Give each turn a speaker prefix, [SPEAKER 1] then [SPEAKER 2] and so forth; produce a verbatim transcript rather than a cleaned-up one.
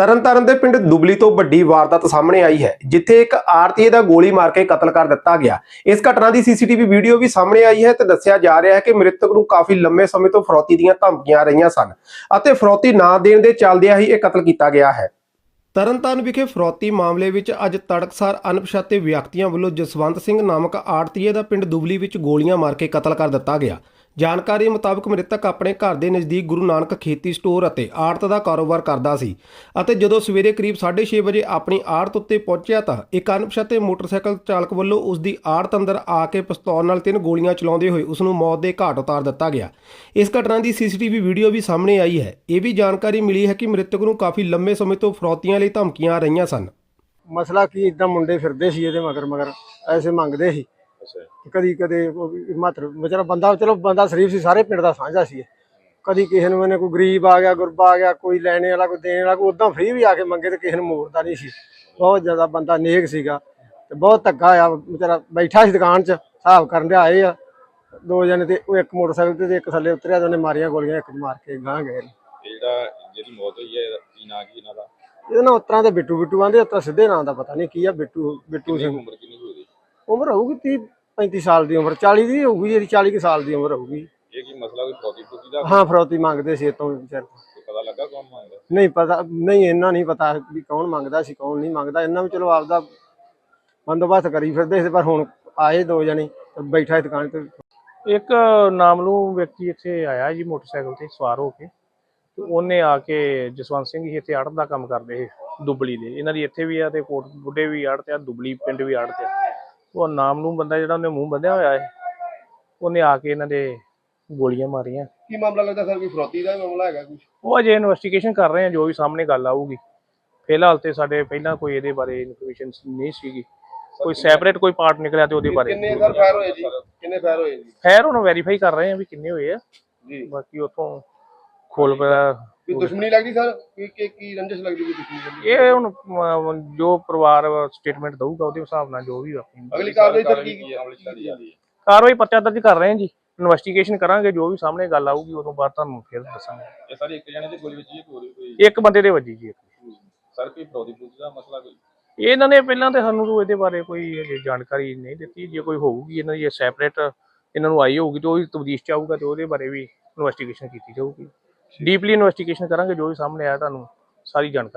[SPEAKER 1] ਤਰਨਤਾਰਨ ਦੇ ਪਿੰਡ ਦੁਬਲੀ ਤੋਂ ਵੱਡੀ ਵਾਰਦਾਤ ਸਾਹਮਣੇ ਆਈ ਹੈ, ਜਿੱਥੇ ਇੱਕ ਆੜਤੀਏ ਦਾ ਗੋਲੀ ਮਾਰ ਕੇ ਕਤਲ ਕਰ ਦਿੱਤਾ ਗਿਆ। ਇਸ ਘਟਨਾ ਦੀ ਸੀਸੀਟੀਵੀ ਵੀਡੀਓ ਵੀ ਸਾਹਮਣੇ ਆਈ ਹੈ ਤੇ ਦੱਸਿਆ ਜਾ ਰਿਹਾ ਹੈ ਕਿ ਮ੍ਰਿਤਕ ਨੂੰ ਕਾਫੀ ਲੰਮੇ ਸਮੇਂ ਤੋਂ ਫਰੌਤੀ ਦੀਆਂ ਧਮਕੀਆਂ ਆ ਰਹੀਆਂ ਸਨ ਅਤੇ ਫਰੌਤੀ ਨਾ ਦੇਣ ਦੇ ਚੱਲਦਿਆਂ ਹੀ ਇਹ ਕਤਲ ਕੀਤਾ ਗਿਆ ਹੈ। ਤਰਨਤਾਰਨ ਵਿਖੇ ਫਰੌਤੀ ਮਾਮਲੇ ਵਿੱਚ ਅੱਜ ਤੜਕਸਾਰ ਅਣਪਛਾਤੇ ਵਿਅਕਤੀਆਂ ਵੱਲੋਂ ਜਸਵੰਤ ਸਿੰਘ ਨਾਮਕ ਆੜਤੀਏ ਦਾ ਪਿੰਡ ਦੁਬਲੀ ਵਿੱਚ ਗੋਲੀਆਂ ਮਾਰ ਕੇ ਕਤਲ ਕਰ ਦਿੱਤਾ ਗਿਆ। ਜਾਣਕਾਰੀ ਮੁਤਾਬਕ ਮ੍ਰਿਤਕ ਆਪਣੇ ਘਰ ਦੇ ਨਜ਼ਦੀਕ ਗੁਰੂ ਨਾਨਕ ਖੇਤੀ ਸਟੋਰ ਅਤੇ ਆੜਤ ਦਾ ਕਾਰੋਬਾਰ ਕਰਦਾ ਸੀ ਅਤੇ ਜਦੋਂ ਸਵੇਰੇ ਕਰੀਬ ਸਾਢੇ ਛੇ ਵਜੇ ਆਪਣੀ ਆੜਤ ਉੱਤੇ ਪਹੁੰਚਿਆ ਤਾਂ ਇੱਕ ਅਣਪਛਾਤੇ ਮੋਟਰਸਾਈਕਲ ਚਾਲਕ ਵੱਲੋਂ ਉਸ ਦੀ ਆੜਤ ਅੰਦਰ ਆ ਕੇ ਪਿਸਤੌਲ ਨਾਲ ਤਿੰਨ ਗੋਲੀਆਂ ਚਲਾਉਂਦੇ ਹੋਏ ਉਸ ਨੂੰ ਮੌਤ ਦੇ ਘਾਟ ਉਤਾਰ ਦਿੱਤਾ ਗਿਆ। ਇਸ ਘਟਨਾ ਦੀ ਸੀਸੀਟੀਵੀ ਵੀਡੀਓ ਵੀ ਸਾਹਮਣੇ ਆਈ ਹੈ। ਇਹ ਵੀ ਜਾਣਕਾਰੀ ਮਿਲੀ ਹੈ ਕਿ ਮ੍ਰਿਤਕ ਨੂੰ ਕਾਫੀ ਲੰਮੇ ਸਮੇਂ ਤੋਂ ਫਰੌਤੀਆਂ ਲਈ ਧਮਕੀਆਂ ਆ ਰਹੀਆਂ ਸਨ।
[SPEAKER 2] ਮਸਲਾ ਕੀ ਇਦਾਂ ਮੁੰਡੇ ਫਿਰਦੇ ਸੀ ਇਹਦੇ ਮਗਰ ਮਗਰ ਐਸੇ ਮੰਗਦੇ ਸੀ। ਕਦੀ ਕਦੇ ਮਾਤਰ ਵਿਚਾਰਾ ਬੰਦਾ ਚਲੋ ਬੰਦਾ ਸ਼ਰੀਫ ਸੀ, ਸਾਰੇ ਪਿੰਡ ਦਾ ਸਾਂਝਾ ਸੀ। ਕਦੀ ਕਿਸੇ ਨੂੰ ਇਹਨੇ ਕੋਈ ਗਰੀਬ ਆ ਗਿਆ, ਗੁਰਬਾ ਆ ਗਿਆ, ਕੋਈ ਲੈਣੇ ਵਾਲਾ, ਕੋਈ ਦੇਣ ਵਾਲਾ, ਕੋਈ ਉਦਾਂ ਫ੍ਰੀ ਵੀ ਆ ਕੇ ਮੰਗੇ ਤੇ ਕਿਸੇ ਨੂੰ ਮੋੜਦਾ ਨਹੀਂ ਸੀ। ਬਹੁਤ ਜ਼ਿਆਦਾ ਬੰਦਾ ਨੇਕ ਸੀਗਾ ਤੇ ਬਹੁਤ ਧੱਕਾ ਆ। ਵਿਚਾਰਾ ਬੈਠਾ ਸੀ ਦੁਕਾਨ 'ਚ, ਹਿਸਾਬ ਕਰਨ ਦੇ ਆਏ ਆ ਦੋ ਜਣੇ ਤੇ ਉਹ ਇੱਕ ਮੋਟਰਸਾਈਕਲ ਤੇ ਇੱਕ ਥੱਲੇ ਉਤਰਿਆ ਤੇ ਉਹਨੇ ਮਾਰੀਆਂ ਗੋਲੀਆਂ, ਇੱਕ ਮਾਰ ਕੇ ਗਾਂ ਗਏ।
[SPEAKER 3] ਜਿਹੜਾ ਜਿਹਦੀ ਮੌਤ ਹੋਈ ਹੈ ਕੀ ਨਾਂ ਕੀ ਇਹਨਾਂ ਦਾ?
[SPEAKER 2] ਇਹਦੇ ਨਾਲ ਉਤਰਾਂ ਤੇ ਬਿੱਟੂ ਬਿੱਟੂ ਆਂਦੇ, ਉਤਰਾ ਸਿੱਧੇ ਨਾਂ ਦਾ ਪਤਾ ਨਹੀਂ ਕੀ ਆ। ਬਿੱਟੂ ਬਿੱਟੂ ਸਿੰਘ।
[SPEAKER 3] ਉਮਰ ਕਿੰਨੀ ਹੋਈ?
[SPEAKER 2] ਉਮਰ ਹੋਊਗੀ ਤੀਹ ਪੈਂਤੀ ਸਾਲ ਦੀ ਉਮਰ, ਚਾਲੀ ਦੀ ਹੋਊਗੀ, ਜਿਹੜੀ ਚਾਲੀ ਕੁ ਸਾਲ ਦੀ ਉਮਰ ਹੋਊਗੀ।
[SPEAKER 3] ਇਹ ਕੀ ਮਸਲਾ ਕੋਈ ਫਰੌਤੀ ਫਰੂਤੀ ਦਾ?
[SPEAKER 2] ਹਾਂ, ਫਰੌਤੀ ਮੰਗਦੇ ਸੀ ਇਤੋਂ ਵਿਚਾਰ।
[SPEAKER 3] ਪਤਾ ਲੱਗਾ ਕੌਣ ਮੰਗਦਾ?
[SPEAKER 2] ਨਹੀਂ ਪਤਾ, ਨਹੀਂ ਇਹਨਾਂ ਨਹੀਂ ਪਤਾ ਵੀ ਕੌਣ ਮੰਗਦਾ ਸੀ ਕੌਣ ਨਹੀਂ ਮੰਗਦਾ। ਇਹਨਾਂ ਵੀ ਚਲੋ ਆਪਦਾ ਬੰਦੋਬਸਤ ਕਰੀ ਫਿਰਦੇ ਸੀ, ਪਰ ਹੁਣ ਆਏ ਦੋ ਜਣੇ ਬੈਠਾ ਦੁਕਾਨ ਤੇ।
[SPEAKER 4] ਇੱਕ ਨਾਮਲੂਮ ਵਿਅਕਤੀ ਇੱਥੇ ਆਇਆ ਜੀ ਮੋਟਰਸਾਈਕਲ ਤੇ ਸਵਾਰ ਹੋ ਕੇ, ਤੇ ਉਹਨੇ ਆ ਕੇ ਜਸਵੰਤ ਸਿੰਘ ਜੀ ਇੱਥੇ ਆੜਤ ਦਾ ਕੰਮ ਕਰਦੇ ਸੀ ਦੁਬਲੀ ਦੇ। ਇਹਨਾਂ ਦੀ ਇੱਥੇ ਵੀ ਆ ਤੇ ਕੋਟ ਬੁੱਢੇ ਵੀ ਆੜਤ ਆ, ਦੁਬਲੀ ਪਿੰਡ ਵੀ ਆੜਤ ਆ। ਉਹ ਨਾਮਲੂਮ ਬੰਦਾ ਜਿਹੜਾ ਉਹਨੇ ਮੂੰਹ ਬੰਨਿਆ ਹੋਇਆ ਹੈ, ਉਹਨੇ ਆ ਕੇ ਇਹਨਾਂ ਦੇ ਗੋਲੀਆਂ ਮਾਰੀਆਂ।
[SPEAKER 5] ਕੀ ਮਾਮਲਾ ਲੱਗਦਾ ਸਰ? ਕੋਈ ਫਰੌਤੀ ਦਾ ਮਾਮਲਾ ਹੈਗਾ ਕੁਝ?
[SPEAKER 4] ਉਹ ਅਜੇ ਇਨਵੈਸਟੀਗੇਸ਼ਨ ਕਰ ਰਹੇ ਆ, ਜੋ ਵੀ ਸਾਹਮਣੇ ਗੱਲ ਆਊਗੀ। ਫਿਲਹਾਲ ਤੇ ਸਾਡੇ ਪਹਿਲਾਂ ਕੋਈ ਇਹਦੇ ਬਾਰੇ ਇਨਫੋਰਮੇਸ਼ਨ ਨਹੀਂ ਸੀਗੀ। ਕੋਈ ਸੈਪਰੇਟ ਕੋਈ ਪਾਰਟ ਨਿਕਲਿਆ ਤੇ ਉਹਦੇ ਬਾਰੇ
[SPEAKER 5] ਕਿੰਨੇ ਸਰ ਫਾਇਰ ਹੋਏ ਜੀ? ਕਿੰਨੇ ਫਾਇਰ ਹੋਏ ਜੀ?
[SPEAKER 4] ਖੈਰ ਹੁਣ ਵੈਰੀਫਾਈ ਕਰ ਰਹੇ ਆ ਵੀ ਕਿੰਨੇ ਹੋਏ ਆ
[SPEAKER 5] ਜੀ।
[SPEAKER 4] ਬਾਕੀ ਉੱਥੋਂ ਖੋਲ ਪਿਆ।
[SPEAKER 5] ਕੋਈ ਦੁਸ਼ਮਣੀ ਲੱਗਦੀ ਸਰ? ਕੀ ਕੀ ਕੀ ਰੰਜਿਸ਼ ਲੱਗਦੀ ਕੋਈ ਦੁਸ਼ਮਣੀ?
[SPEAKER 4] ਇਹ ਹੁਣ ਅਮ, ਜੋ ਪਰਿਵਾਰ ਸਟੇਟਮੈਂਟ ਦਊਗਾ ਉਹਦੇ ਹਿਸਾਬ ਨਾਲ ਜੋ ਵੀ ਆਪਣੀ
[SPEAKER 5] ਅਗਲੀ ਕਾਰਵਾਈ ਸਰ ਕੀ ਕੀ ਅਮਲ ਚ ਲਿਆਂਦੀ ਜਾਂਦੀ ਹੈ?
[SPEAKER 4] ਕਾਰਵਾਈ ਪਰਚਾ ਦਰਜ ਕਰ ਰਹੇ ਹਾਂ ਜੀ, ਇਨਵੈਸਟੀਗੇਸ਼ਨ ਕਰਾਂਗੇ। ਜੋ ਵੀ ਸਾਹਮਣੇ ਗੱਲ ਆਊਗੀ ਉਦੋਂ ਬਾਅਦ ਤੁਹਾਨੂੰ ਫਿਰ ਦੱਸਾਂਗੇ।
[SPEAKER 3] ਇਹ ਸਾਰੇ ਇੱਕ ਜਣੇ ਦੀ ਗੋਲੀ ਵੱਜੀ ਹੈ ਕੋਈ ਕੋਈ?
[SPEAKER 4] ਇੱਕ ਬੰਦੇ ਦੇ ਵੱਜੀ ਜੀ।
[SPEAKER 3] ਸਰ ਕੋਈ ਫਰੌਤੀ ਫਰੂਤੀ ਦਾ ਮਸਲਾ ਕੋਈ?
[SPEAKER 4] ਇਹਨਾਂ ਨੇ ਪਹਿਲਾਂ ਤੇ ਸਾਨੂੰ ਤੋਂ ਇਹਦੇ ਬਾਰੇ ਕੋਈ ਹਜੇ ਜਾਣਕਾਰੀ ਨਹੀਂ ਦਿੱਤੀ। ਜੇ ਕੋਈ ਹੋਊਗੀ ਇਹਨਾਂ ਦੀ ਸੈਪਰੇਟ ਇਹਨਾਂ ਨੂੰ ਆਈ ਹੋਊਗੀ ਤੇ ਉਹ ਤਬਦੀਸ਼ ਚ ਆਊਗਾ ਤੇ ਉਹਦੇ ਬਾਰੇ ਵੀ ਇਨਵੈਸਟੀਗੇਸ਼ਨ ਕੀਤੀ ਜਾਊਗੀ। ਡੀਪਲੀ ਇਨਵੈਸਟੀਗੇਸ਼ਨ ਕਰਾਂਗੇ, ਜੋ ਵੀ ਸਾਹਮਣੇ ਆਇਆ ਤੁਹਾਨੂੰ ਸਾਰੀ ਜਾਣਕਾਰੀ